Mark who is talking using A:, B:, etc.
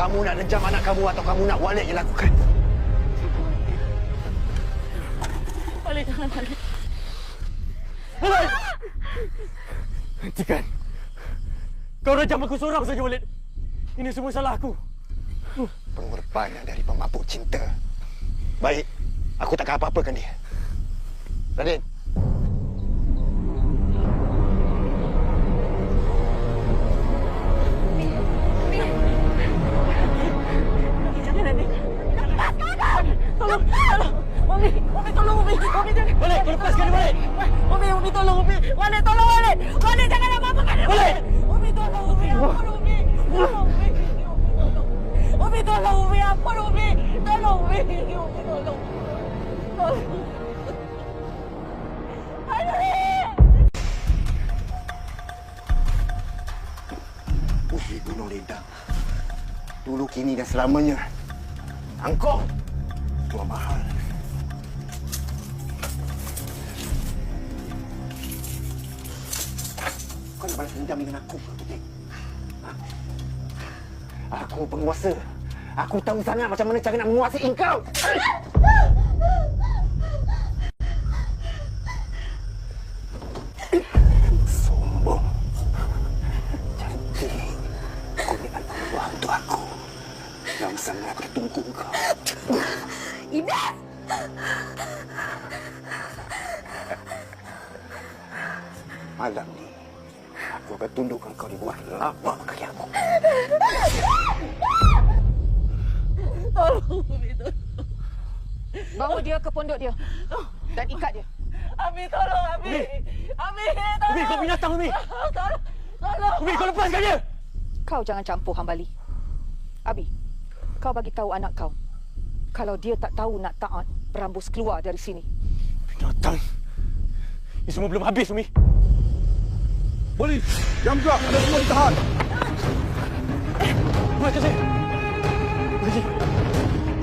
A: Kamu nak dejam anak kamu atau kamu nak Walid yang lakukan?
B: Walid, jangan Walid.
C: Walid! Hentikan. Kau rajam aku seorang saja, Walid. Ini semua salah aku.
A: Pengorbanan dari pemabuk cinta. Baik, aku takkan apa-apakan dia. Raden.
B: Jangan, Raden. Tolong, tolong. Umi, tolong Umi. Umi, jangan.
C: Walid, kau lepaskan dia, Walid.
B: Umi, tolong Umi. Walid, tolong Walid. Walid, jangan apa-apakan dia.
C: Walid!
B: Umi, tolong Umi. Ampun Umi. Tolong Umi. Umi, tolong Umi. Ampun Umi. Tolong Umi. Umi, tolong. Tolong.
A: Uji Gunung Lintang. Dulu, kini dan selamanya. Angkong. Tuan mahal. Kau nak balas dendam dengan aku, Putih? Aku penguasa. Aku tahu sangat macam mana cara nak menguasai engkau. Sombong. Cantik. Kau ni anak buah untuk aku. Yang sangat bertunggu kau.
B: Iblis!
A: Malam ni, aku akan tundukkan kau di bawah lapak kaki aku.
B: Tolong Umi, tolong.
D: Bawa dia ke pondok dia dan ikat dia.
B: Ami, tolong Ami. Ami, tolong.
C: Umi, kau binatang, Umi.
B: Tolong. Tolong.
C: Umi, kau lepaskan dia.
D: Kau jangan campur, Hambali. Abi, kau bagi tahu anak kau. Kalau dia tak tahu nak taat, berambus keluar dari sini.
C: Binatang. Ini semua belum habis, Umi.
E: Polis, jam gerak. Anda semua ditahan.
C: Terima kasih. Terima kasih.